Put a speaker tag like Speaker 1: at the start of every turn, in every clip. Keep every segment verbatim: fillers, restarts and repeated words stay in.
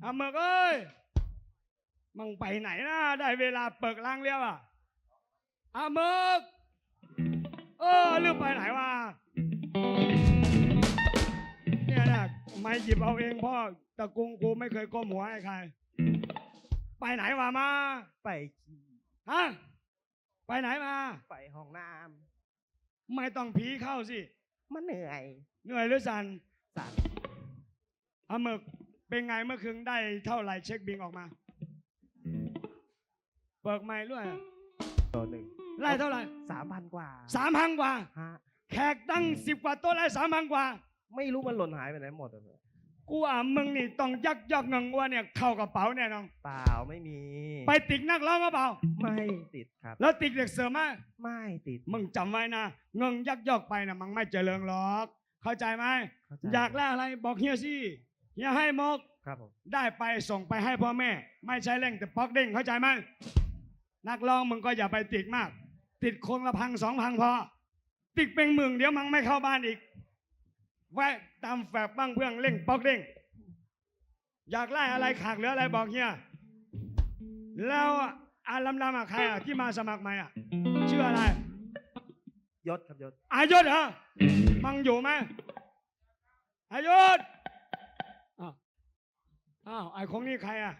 Speaker 1: อาเมือกเอ้ยมึงไปไหนนะได้เวลาเปิกล้างเลี้ยวอ่ะอาเมือกเออลืมไปไหนวะเนี่ยนะไม่หยิบเอาเองพ่อตะกุงกูไม่เคยก้มหัวให้ใครไปไหนวะมา
Speaker 2: ไปขี่
Speaker 1: ฮะไปไหนมา
Speaker 2: ไปห้องน้
Speaker 1: ำไม่ต้องผีเข้าสิ
Speaker 2: มันเหนื่อย
Speaker 1: เหนื่อยหรือสัน
Speaker 2: สัน
Speaker 1: อาเมือกเป็นไงเมื่อคืนได้เท่าไหร่เช็คบิงออกมาเบิกไม่ด้วย
Speaker 2: ตัวหนึ่ง
Speaker 1: ไล่เท่าไหร่
Speaker 2: สามพันกว่า
Speaker 1: สามพันกว่า
Speaker 2: ฮะ
Speaker 1: แขกตั้งสิบกว่าโต๊ะไล่สามพันกว่า
Speaker 2: ไม่รู้มันหล่นหายไปไหนหมดเลย
Speaker 1: กูอ่ะมึงนี่ต้องยักยอกเงินว่าเนี่ยเข้ากระเป๋าแน่นอน
Speaker 2: เปล่าไม่มี
Speaker 1: ไปติดนักร้องก็เปล่า
Speaker 2: ไม่ติดครับ
Speaker 1: แล้วติดเด็กเสือไหม
Speaker 2: ไม่ติด
Speaker 1: มึงจำไว้นะเงินยักยอกไปนะมันไม่เจริญหรอกเข้าใจไหมอยากได้อะไรบอกเฮียสิเฮียให้มก
Speaker 2: ครับผม
Speaker 1: ได้ไปส่งไปให้พ่อแม่ไม่ใช่เร่งแต่ป๊อกเด้งเข้าใจไหมนักร้องมึงก็อย่าไปติดมากติดคนละพังสองพังพอติดเป็นหมื่นเดี๋ยวมันไม่เข้าบ้านอีกไว้ตามแฝกบ้างเพื่องเร่งป๊อกเด้งอยากไล่อะไรขาดเหลืออะไรบอกเฮียแล้วอาลำลำอะใครอะที่มาสมัครใหม่อะชื่ออะไร
Speaker 2: ยศครับยศ
Speaker 1: อายศเหรอมังอยู่ไหมอายศอ้าวอ้าวไอ้ของนี่ใครอะ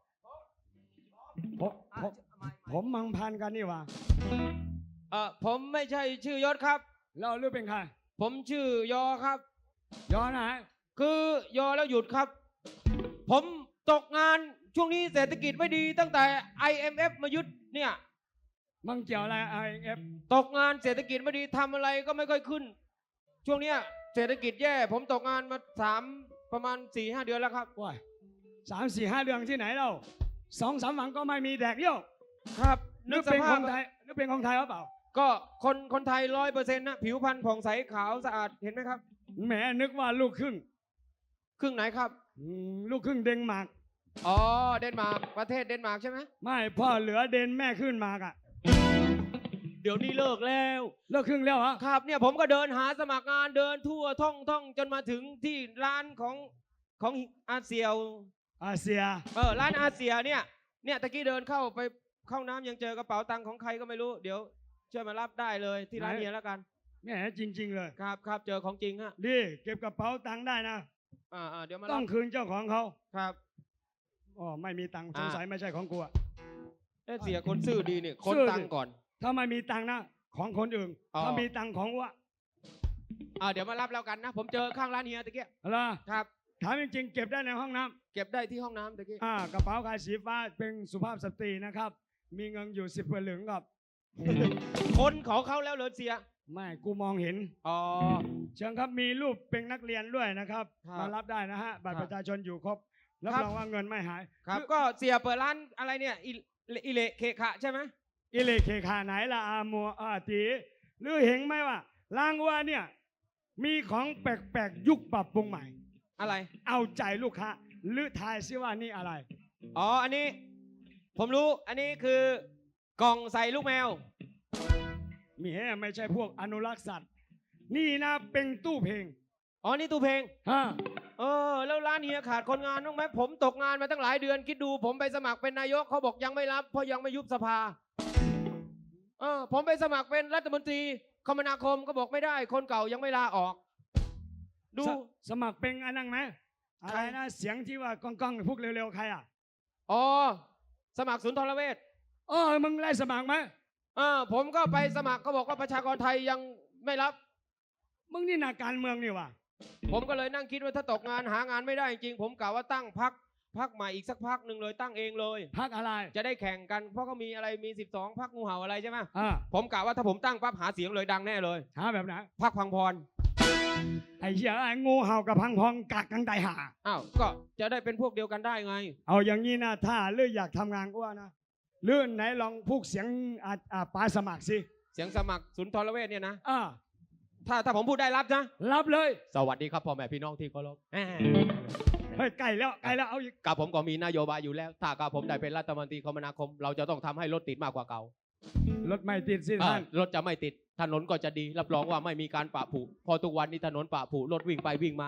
Speaker 1: ผมผมผมมังพันกันนี่วะ
Speaker 3: เออผมไม่ใช่ชื่อยศครับ
Speaker 1: แล้วหรือเป็นใคร
Speaker 3: ผมชื่อยอครับ
Speaker 1: ยอไหน
Speaker 3: คือยอแล้วหยุดครับผมตกงานช่วงนี้เศรษฐกิจไม่ดีตั้งแต่ ไอ เอ็ม เอฟ มายึดเนี่ย
Speaker 1: มันเกี่ยวอะไร ไอ เอ็ม เอฟ
Speaker 3: ตกงานเศรษฐกิจไม่ดีทำอะไรก็ไม่ค่อยขึ้นช่วงเนี้ยเศรษฐกิจแย่ผมตกงานมาสามประมาณสี่ห้าเดือนแล้วครับ
Speaker 1: ว้ายสามสี่ห้าเดือนที่ไหนเราสองสามวันก็ไม่มีแดกเยี่ยว
Speaker 3: ครับ
Speaker 1: นึกเป็นคนไทยนึกเป็นคนไทยหรือเปล่า
Speaker 3: ก็คนคนไทยร้อยเปอร์เซ็นต์นะผิวพรรณผ่องใสขาวสะอาดเห็นไหมครับ
Speaker 1: แหมนึกว่าลูกครึ่ง
Speaker 3: ครึ่งไหนครับ
Speaker 1: ลูกครึ่งเดนมาร์ก
Speaker 3: อ๋อเดนมาร์กประเทศเดนมาร์กใช่ไหม
Speaker 1: ไม่พ่อเหลือเดนแม่ขึ้นมาร์กอ่ะ
Speaker 3: เดี๋ยวนี้เลิกแล้ว
Speaker 1: เลิกครึ่งแล้วเหรอ
Speaker 3: ครับเนี่ยผมก็เดินหาสมัครงานเดินทั่วท่องท่องจนมาถึงที่ร้านของของอาเซีย
Speaker 1: อาเซีย
Speaker 3: เออร้านอาเซียเนี่ยเนี่ยตะกี้เดินเข้าไปเข้าน้ำยังเจอกระเป๋าตังค์ของใครก็ไม่รู้เดี๋ยวช่วยมารับได้เลยที่ร้านเฮียแล้วกัน
Speaker 1: แหมจริงๆเลย
Speaker 3: ครับครับเจอของจริงฮะ
Speaker 1: ดีเก็บกระเป๋าตังค์ได้นะ
Speaker 3: อ่าเดี๋ยวมา
Speaker 1: ต้องคืนเจ้าของเขา
Speaker 3: ครับ
Speaker 1: อ๋อไม่มีตังค์สงสัยไม่ใช่ของกูอ่ะ
Speaker 3: เอ๊ะเสียคนซื่อดีเนี่ยคนตังค์ก่อน
Speaker 1: ถ้าไม่มีตังค์นะของคนอื่นถ้ามีตังค์ของกูอ่ะ
Speaker 3: อ่าเดี๋ยวมารับแล้วกันนะผมเจอข้างร้านเฮียตะกี้
Speaker 1: อะไร
Speaker 3: ครับ
Speaker 1: ถามจริงๆเก็บได้ในห้องน้ำ
Speaker 3: เก็บได้ที่ห้องน้ำตะกี้
Speaker 1: อ่ากระเป๋าคายสีฟ้าเป็นสุภาพสตรีนะครับมีเงินอยู่สิบเหรียญกับ
Speaker 3: คนของเขาแล้วเลยเสีย
Speaker 1: ไม่กูมองเห็น
Speaker 3: อ๋อ
Speaker 1: เชิญครับมีรูปเป็นนักเรียนด้วยนะครับมารับได้นะฮะบัตรประชาชนอยู่ครบรับรองว่าเงินไม่หาย
Speaker 3: ครับก็เสียเปิดร้านอะไรเนี่ยอิเลเคขะใช่ไหม
Speaker 1: อิเลเคขะไหนล่ะอามัวอาตีหรือเห็นไหมว่าร้านว่าเนี่ยมีของแปลกๆยุคปรับปรุงใหม่
Speaker 3: อะไร
Speaker 1: เอาใจลูกค้าหรือทายซิว่านี่อะไร
Speaker 3: อ๋ออันนี้ผมรู้อันนี้คือกล่องใส่ลูกแมว
Speaker 1: มีแฮ่ไม่ใช่พวกอนุรักษ์สัตว์นี่นะเป็นตู้เพลง
Speaker 3: อ๋อนี่ตู้เพลง
Speaker 1: ฮะ
Speaker 3: เออแล้วร้านเฮียขาดคนงานบ้างไหมผมตกงานมาตั้งหลายเดือนคิดดูผมไปสมัครเป็นนายกเขาบอกยังไม่รับเพราะยังไม่ยุบสภาเออผมไปสมัครเป็นรัฐมนตรีคมนาคมก็บอกไม่ได้คนเก่ายังไม่ลาออก
Speaker 1: ดูสมัครเป็นอันนั้นไหมอะไรนะเสียงที่ว่าก้องๆพวกเร็วๆใครอ่ะ
Speaker 3: อ๋อสมัครศูนย์ทรเวช
Speaker 1: เออมึงไล่สมัครไหม
Speaker 3: เออผมก็ไปสมัครก็บอกว่าประชากรไทยยังไม่รับ
Speaker 1: มึงนี่นักการเมืองนี่วะ
Speaker 3: ผมก็เลยนั่งคิดว่าถ้าตกงานหางานไม่ได้จริงผมกะว่าตั้งพักพักใหม่อีกสักพักหนึ่งเลยตั้งเองเลย
Speaker 1: พักอะไร
Speaker 3: จะได้แข่งกันเพราะเขามีอะไรมีสิบสองพักงูเห่าอะไรใช่ไหม
Speaker 1: อ่า
Speaker 3: ผมกะว่าถ้าผมตั้งปั๊บหาเสียงเลยดังแน่เลย
Speaker 1: หาแบบไหน
Speaker 3: พักพังพร
Speaker 1: ไอ้เหี้ยไอ้งูเห่ากับพังพรกักกันตายหา
Speaker 3: อ้าวก็จะได้เป็นพวกเดียวกันได้ไง
Speaker 1: เอาอย่างนี้นะถ้าเลือกอยากทำงานก็ว่านะเลื่อนไหนลองพูกเสียงอ่าป้าสมัครสิ
Speaker 3: เสียงสมัครศูนย์ทรเวชเนี่ยนะ
Speaker 1: อ่า
Speaker 3: ถ้าถ้าผมพูดได้รับนะ
Speaker 1: รับเลย
Speaker 3: สวัสดีครับพ่อแม่พี่น้องที่เคารพ
Speaker 1: เฮ้ยไก่แล้วไก่แล้วเอาอีก
Speaker 3: กับผมก็มีนโยบายอยู่แล้วถ้ากับผมได้เป็นรัฐมนตรีคมนาคมเราจะต้องทำให้รถติดมากกว่าเก่าร
Speaker 1: ถไม่ติดสิท่าน
Speaker 3: รถจะไม่ติดถนนก็จะดีรับรองว่าไม่มีการปะผุพอทุกวันนี้ถนนปะผุรถวิ่งไปวิ่งมา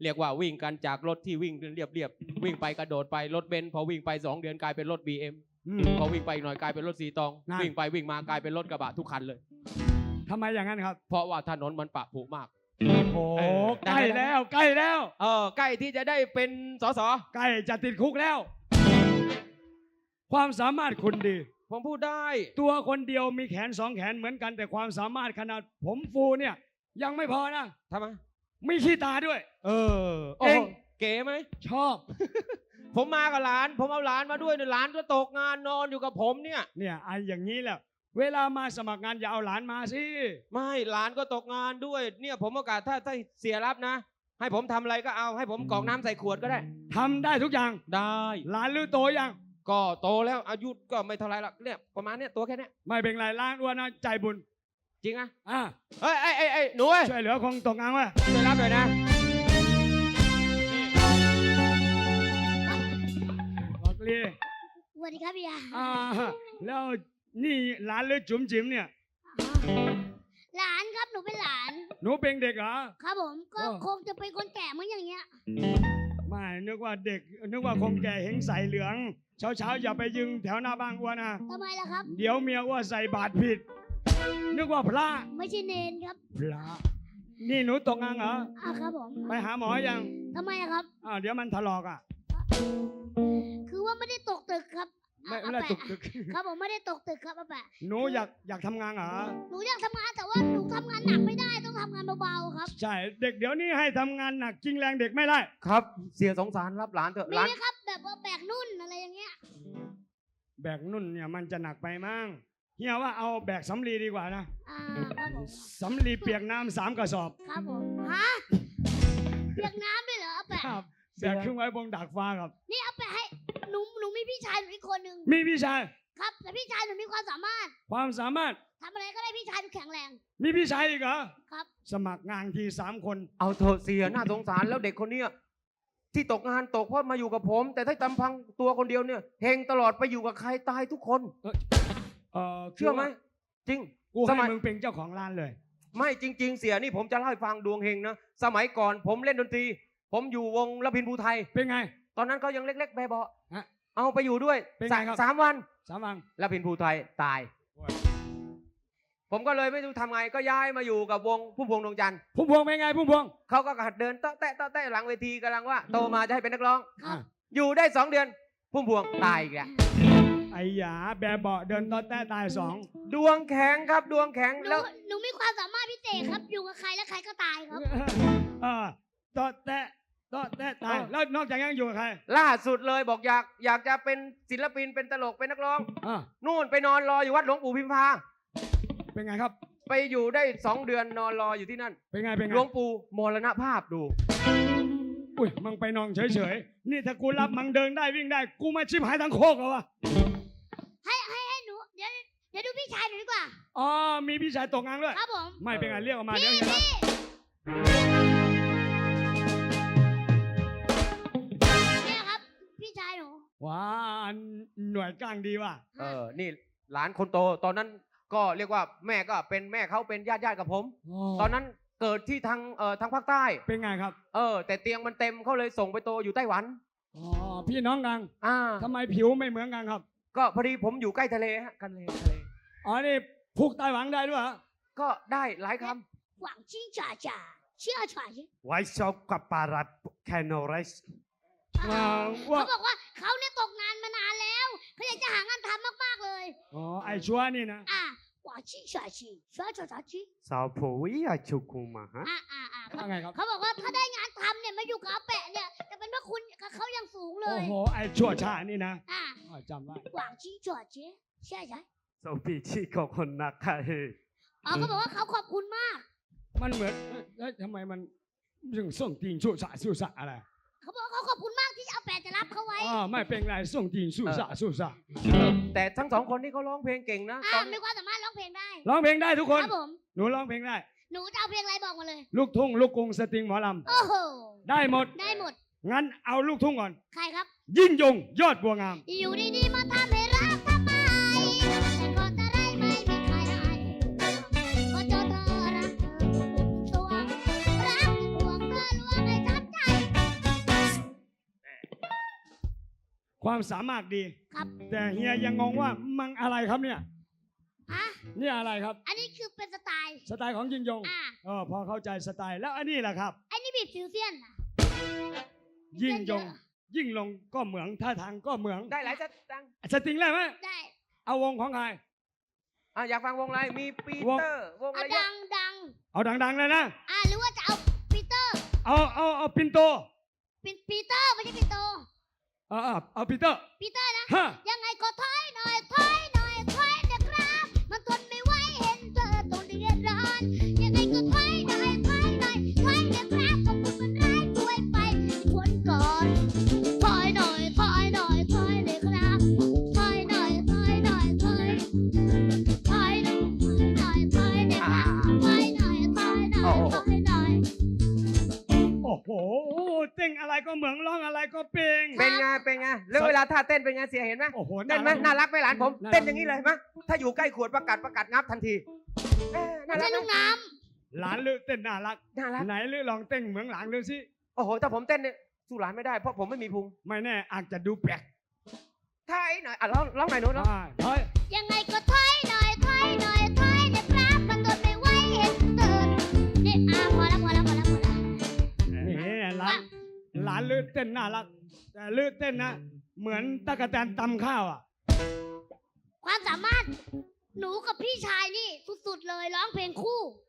Speaker 3: เรียกว่าวิ่งกันจากรถที่วิ่งเรียบเรียบๆวิ่งไปกระโดดไปรถเบนซ์พอวิ่งไปสองเดือนกลายเป็นรถ บี เอ็ม
Speaker 1: อืม
Speaker 3: พอวิ่งไปอีกหน่อยกลายเป็นรถสีตอง
Speaker 1: นั่น
Speaker 3: วิ่งไปวิ่งมากลายเป็นรถกระบะทุกคันเลย
Speaker 1: ทำไมอย่างนั้นครับ
Speaker 3: เพราะว่าถนนมันปะผุมาก
Speaker 1: โอ้
Speaker 3: เออ
Speaker 1: ใกล้แล้วใกล้แล้ว
Speaker 3: เออใกล้ที่จะได้เป็นสส
Speaker 1: ใกล้จะติดคุกแล้ว ความสามารถคุณดี
Speaker 3: ผมพูดได้
Speaker 1: ตัวคนเดียวมีแขนสองแขนเหมือนกันแต่ความสามารถขนาดผมฟูเนี่ย ยังไม่พอนะ
Speaker 3: ทำไม
Speaker 1: มีขี้ตาด้วย
Speaker 3: เออ
Speaker 1: เอง
Speaker 3: โโหเก๋ไหม
Speaker 1: ชอบ
Speaker 3: ผมมากับหลาน ผมเอาหลานมาด้วยเนี่ยหลานก็ตกงานนอนอยู่กับผมเนี่ย
Speaker 1: เนี่ยไอ้อย่างนี้แหละเวลามาสมัครงานอย่าเอาหลานมาสิ
Speaker 3: ไม่หลานก็ตกงานด้วย เนี่ยผมโอกาสถ้าถ้าเสียรับนะ ให้ผมทำอะไรก็เอาให้ผมกรอกน้ำใส่ขวดก็ได้
Speaker 1: ทำได้ทุกอย่าง
Speaker 3: ได้
Speaker 1: หลานหรือโตยัง
Speaker 3: ก็โตแล้วอายุก็ไม่เท่าไรหรอกเนี่ยประมาณเนี้ยตัวแค่เนี้ย
Speaker 1: ไม่เป็นไรล้านอ้วนนะใจบุญ
Speaker 3: จริงอะ
Speaker 1: อ่ะ
Speaker 3: เอ้ยเอ้ยเอ้ยเอ้ยหนูเอ้ย
Speaker 1: ช่วยเหลือคงตกงานวะ
Speaker 3: ช่วยรับหน่อยนะ
Speaker 1: บอกลี
Speaker 4: สวัสดีครับพี่ยา
Speaker 1: อ่าแล้วนี่หลานหรือจุ๋มจิ๋มเนี่ย
Speaker 4: หลานครับหนูเป็นหลาน
Speaker 1: หนูเป็นเด็กเหรอ
Speaker 4: ครับผมก็
Speaker 1: อ๋อ
Speaker 4: คงจะเป็นคนแก่เหมือนอย่างเงี้ย
Speaker 1: ไม่นึกว่าเด็ก นึกว่าคงแก่เห็นใส่เหลือง เช้าเช้าๆอย่าไปยึงแถวหน้าบ้านอ้วนนะ
Speaker 4: ทำไมล่ะครับ
Speaker 1: เดี๋ยวเมียอ้วนใส่บาตรผิด นึกว่าพระ
Speaker 4: ไม่ใช่เนนครับ
Speaker 1: พระ นี่หนูตกงานเหรอ
Speaker 4: อ่าครับผม
Speaker 1: ไปหาหมอยัง
Speaker 4: ทำไมอะครับ
Speaker 1: อ่าวเดี๋ยวมันถลอกอ่ะ
Speaker 4: คือว่าไม่ได้ตกตึกครับ
Speaker 1: ไม่
Speaker 4: อา
Speaker 1: ไม่ได้
Speaker 4: อา
Speaker 1: ตก
Speaker 4: แปะ
Speaker 1: ตึก
Speaker 4: ครับผมไม่ได้ตกตึกครับอาแปะ
Speaker 1: หนูอยากอยากทำงานเหรอ
Speaker 4: หนูอยากทำงานแต่ว่าหนูทำงานหนักไม่ได้ต้องทำงานเบาๆครับ
Speaker 1: ใช่ เด็กเดี๋ยวนี้ให้ทำงานหนักจริงแรงเด็กไม่ได้
Speaker 3: ครับ เสียสงสารรับหลานเถอะ
Speaker 4: มี
Speaker 3: หลาน
Speaker 4: ไหมครับ แบบว่าแบกนุ่นอะไรอย่างเงี้ย
Speaker 1: แบกนุ่นเนี่ยมันจะหนักไปมั้งเฮียว่าเอาแบกสำลีดีกว่านะ
Speaker 4: อ่าครับผม
Speaker 1: สำลีเปียกน้ำสามกระสอบ
Speaker 4: ครับผมฮะเปียกน้ำด้วยเหรออาแปะ
Speaker 1: ครับแบกขึ้นไว้บนดาดฟ้าครับ
Speaker 4: นี่อาแปะให้หนูหนูมีพี่ชายหนูอีกคนหนึ่ง
Speaker 1: มีพี่ชาย
Speaker 4: ครับแต่พี่ชายหนูมีความสามารถ
Speaker 1: ความสามารถ
Speaker 4: ทำอะไรก็ได้พี่ชายหนูแข็งแรง
Speaker 1: มีพี่ชายอีกเหรอ
Speaker 4: ครับ
Speaker 1: สมัครงานทีสามคน
Speaker 3: เอาเถอะเสียน่าสงสารแล้วเด็กคนเนี้ยที่ตกงานตกเพราะมาอยู่กับผม แต่ถ้าตำพังตัวคนเดียวเนี่ยเฮงตลอดไปอยู่กับใครตายทุกคน
Speaker 1: เออ
Speaker 3: เชื่อไหมจริง
Speaker 1: กู
Speaker 3: ส
Speaker 1: ให้
Speaker 3: มัย
Speaker 1: มึงเป็นเจ้าของร้านเลย
Speaker 3: ไม่จริง ๆ เสียนี่ผมจะเล่าให้ฟังดวงเฮงนะสมัยก่อนผมเล่นดนตรี ผมอยู่วงละพินภูไทย
Speaker 1: เป็นไง
Speaker 3: ตอนนั้นเขายังเล็กๆแบบเบาะ
Speaker 1: ฮะ
Speaker 3: เอาไปอยู่ด้วย
Speaker 1: เป็นไง
Speaker 3: สา
Speaker 1: ครับ
Speaker 3: สามวัน
Speaker 1: สามวัง
Speaker 3: ละพินภูไทยตาย ผมก็เลยไม่รู้ทำไงก็ย้ายมาอยู่กับวงผู้พวงดวงจันทร์
Speaker 1: พุ่มพวงเป็นไงพุ่มพวง
Speaker 3: เขาก็หัดเดินเตาะแตะเตาะแตะหลังเวทีกำลังว่าโตมาจะให้เป็นนักร้อง
Speaker 4: ครับ
Speaker 1: อ่ะ
Speaker 3: อยู่ได้สองเดือนพุ่มพวงตายอีกแล้ว
Speaker 1: ไอ้หยาแบบเบาะเดินตอนแต้ตายสอง
Speaker 3: ดวงแข็งครับดวงแข็ง
Speaker 4: หนู
Speaker 3: แล้ว
Speaker 4: หนูมีความสามารถพิเศษครับ อยู่กับใครแล้วใครก็ตายครับ
Speaker 1: เออตอนแต้ตอนแต้ตายแล้วนอกจากนั้นอยู่กับใคร
Speaker 3: ล่าสุดเลยบอกอยากอยากจะเป็นศิลปินเป็นตลกเป็นนักร้อง
Speaker 1: อ่ะ
Speaker 3: นู่นไปนอนรออยู่วัดหลวงปู่พิมพา
Speaker 1: เป็นไงครับ
Speaker 3: ไปอยู่ได้สองเดือนนอนรออยู่ที่นั่น
Speaker 1: เป็นไงเป็นไง
Speaker 3: หลวงปู่มรณภาพดู
Speaker 1: อุ้ยมึงไปนอนเฉยๆนี่ถ้ากูรับมึงเดินได้วิ่งได้ กูมาชิบหายทั้งโคกเหรอวะ
Speaker 4: ให้ให้ให้หนู เดี๋ยวเดี๋ยวดูพี่ชายหนูดีกว่า
Speaker 1: อ๋อมีพี่ชายตกงานด้วย
Speaker 4: ครับผม
Speaker 1: ไม่เป็นไงเรียกออกมาเดี๋ยวเห็นครับ
Speaker 4: เนี่ยครับ พี่ชายหนู
Speaker 1: ว้าหน่วยกลางดีว่ะ
Speaker 3: เออนี่หลานคนโตตอนนั้นก็เรียกว่าแม่ก็เป็นแม่เขาเป็นญาติญาติๆกับผม ตอนนั้นเกิดที่ทางเอ่อทางภาคใต้
Speaker 1: เป็นไงครับ
Speaker 3: เออ แต่เตียงมันเต็มเขาเลยส่งไปโตอยู่ไต้หวัน
Speaker 1: อ๋อพี่น้องกัน
Speaker 3: อ่า
Speaker 1: ทำไมผิวไม่เหมือนกันครับ
Speaker 3: ก็พอดีผมอยู่ใกล้ทะเลฮะกันเลยทะเล
Speaker 1: อ๋อนี่พูกไต้หวันได้ด้วยเหรอ
Speaker 3: ก็ได้หลายค
Speaker 4: หวังจิ้งจ่าจ่าเชื่อจ่าชิ
Speaker 2: ไว้ชอบกับปารัดแคนโนไรส์
Speaker 1: อ่าว่า
Speaker 4: เขาบอกว่าเขาเนี่ยตกงานมานานแล้วเขาอยากจะหางานทำมากๆเลย
Speaker 1: อ๋อไอชัวร์นี่นะ
Speaker 4: อ่ะหวังจิ้งจ่าชิเชื่อจ่าชิ
Speaker 2: สาวผู้วิยาชุกุมาฮะ
Speaker 4: อ่ะอ่ะอ่ะเขา
Speaker 1: ว่าไงครับ
Speaker 4: เขาบอกว่าถ้าได้งานทำเนี่ยมาอยู่กับอาแปะเนี่ยจะเป็นว่าคุณกับเขายังสูงเล
Speaker 1: โอ้
Speaker 4: ย
Speaker 1: โหไอชัวร์ชานี่นะ
Speaker 4: อ่ะ
Speaker 1: อ๋อจำไว้
Speaker 4: หวังจิ้งจ่าชิเชื่อใจ
Speaker 2: สาวปีชีของคนนักใคร
Speaker 4: อ๋อเขาบอกว่าเขาขอบคุณมาก
Speaker 1: มันเหมือนเอ้ยเอ้ยทำไมมันถึงส่งตีนสู้สะสู้สะอะไร
Speaker 4: เขาบอกว่าเขาขอบคุณมากที่อาแปะจะรับเขาไว้
Speaker 1: อ๋อไม่เป็นไรส่งตีนสู้สะสู้สะ
Speaker 3: ำแต่ทั้งสองคนนี่เขาร้องเพลงเก่งนะ
Speaker 4: อ่ะ
Speaker 3: ตอน
Speaker 4: มีความสามารถร้องเพลงได้
Speaker 1: ร้องเพลงได้ทุก
Speaker 4: ค
Speaker 1: คน
Speaker 4: รับผม
Speaker 1: หนูร้องเพลงได้
Speaker 4: หนูจะเอาเพลงอะไรบอกมาเลย
Speaker 1: ลูกทุ่งลูกกรุงสตริงหมอล
Speaker 4: โอ้โห
Speaker 1: ำได้หมด
Speaker 4: ได้หมด
Speaker 1: งั้นเอาลูกทุ่งก่อน
Speaker 4: ใครครับ
Speaker 1: ยิ่งยงยอดบัวงาม
Speaker 4: อยู่ดีๆมาทำให้รักทำไมแต่ก่อนอะไรไม่มีใครได้พอเจอเธอรักเธอตัวรักที่ห่วงเธอลวงให้ทับใจ
Speaker 1: ความสามารถดี
Speaker 4: ครับ
Speaker 1: แต่เฮียยังงงว่ามังอะไรครับเนี่ย
Speaker 4: ฮะ
Speaker 1: นี่อะไรครับ
Speaker 4: อันนี้คือเป็นสไตล์
Speaker 1: สไตล์ของยิงยง
Speaker 4: อ่า
Speaker 1: เออพอเข้าใจสไตล์แล้วอันนี้แหละครับ
Speaker 4: ไอ้นี่บีบฟิวเซียนอะ
Speaker 1: ยิ่งยง
Speaker 4: เยอะ
Speaker 1: ยิ่งลงก็เหมืองท่าทางก็เหมือง
Speaker 3: ได้หลายสตังค์
Speaker 1: สติงเลยไหม
Speaker 4: ได้
Speaker 1: เอาวงของใคร
Speaker 3: อ่ะอยากฟังวงอะไรมีปี
Speaker 1: วง
Speaker 3: เตอร์วงอะ
Speaker 4: เอา
Speaker 3: ไรเย
Speaker 4: ดั
Speaker 3: อะ
Speaker 4: งดัง
Speaker 1: เอาดังๆเลยนะ
Speaker 4: อ่าหรือว่าจะเอาปีเตอร์
Speaker 1: เอาเอาเอาปินโต
Speaker 4: ปีปีเตอร์ไม่ใช่ปีโต
Speaker 1: เออเออเอาปีเตอร์
Speaker 4: ปีเตอร์นะ
Speaker 1: ฮะ
Speaker 4: ยังไงก็ถอยหน่อยถอยหน่อยถอยนะครับ มันทนไม่ไหวเห็นเธอต้องเดือดร้อน ยังไงก็ถอยหน่อยถอยหน่อยถอยนะครับของคุณมันร้ายป่วยไปทวนก่อนถอยหน่อยถอยหน่อยถอยเลยครับถอยหน่อยถอยหน่อยถอยถอยหน่อยถอยหน่อยถอยเลยครับถอยหน่อยถอยหน่อยถอยหน่อย
Speaker 1: โอ้โหเต้งอะไรก็เหมืองร้องอะไรก็เปง
Speaker 3: เป็นไงเป็นไงแล้วเวลาท่าเต้นเป็นไงเสียเห็นไหม
Speaker 1: โอ้โห
Speaker 3: เต้นไหมน่ารักไหมหลานผม
Speaker 1: น่ารัก
Speaker 3: เต้นอย่างนี้เลยเห็นไหมถ้าอยู่ใกล้ขวดประกาศประกาศงับทันทีเอ้ยน่า
Speaker 4: ไม่
Speaker 3: รั
Speaker 4: ใช่
Speaker 3: ก
Speaker 4: ลูก
Speaker 3: ไหม
Speaker 4: น้
Speaker 1: หลานลือเต้นน่ารัก
Speaker 3: น่ารัก
Speaker 1: ไหนลือลองเต้นเหมืองหลานลือสิ
Speaker 3: โอ้โหถ้าผมเต้นเนี่ยสู้หลานไม่ได้เพราะผมไม่มีพุง
Speaker 1: ไม่แน่อาจจะดูแปลก
Speaker 3: ถ้าไอ้หน่อยอ่ะร้องร้องหน่อยหนูร้อง
Speaker 1: อ่าเฮ้ย
Speaker 4: ำยังไงก็ถอยหน่อยถอยหน่อยถอยนะครับมันทนไม่ไหวเห็นเธอนี่อ่ะพอแล้วพอแล้วพอแล้วพอแล้ว
Speaker 1: นี่หลานหลานลือเต้นน่ารัก แต่ลือเต้นนะเหมือนตะกะแตนตำข้าวอ่ะ
Speaker 4: ความสามารถหนูกับพี่ชายนี่สุดๆเลยร้องเพลงคู่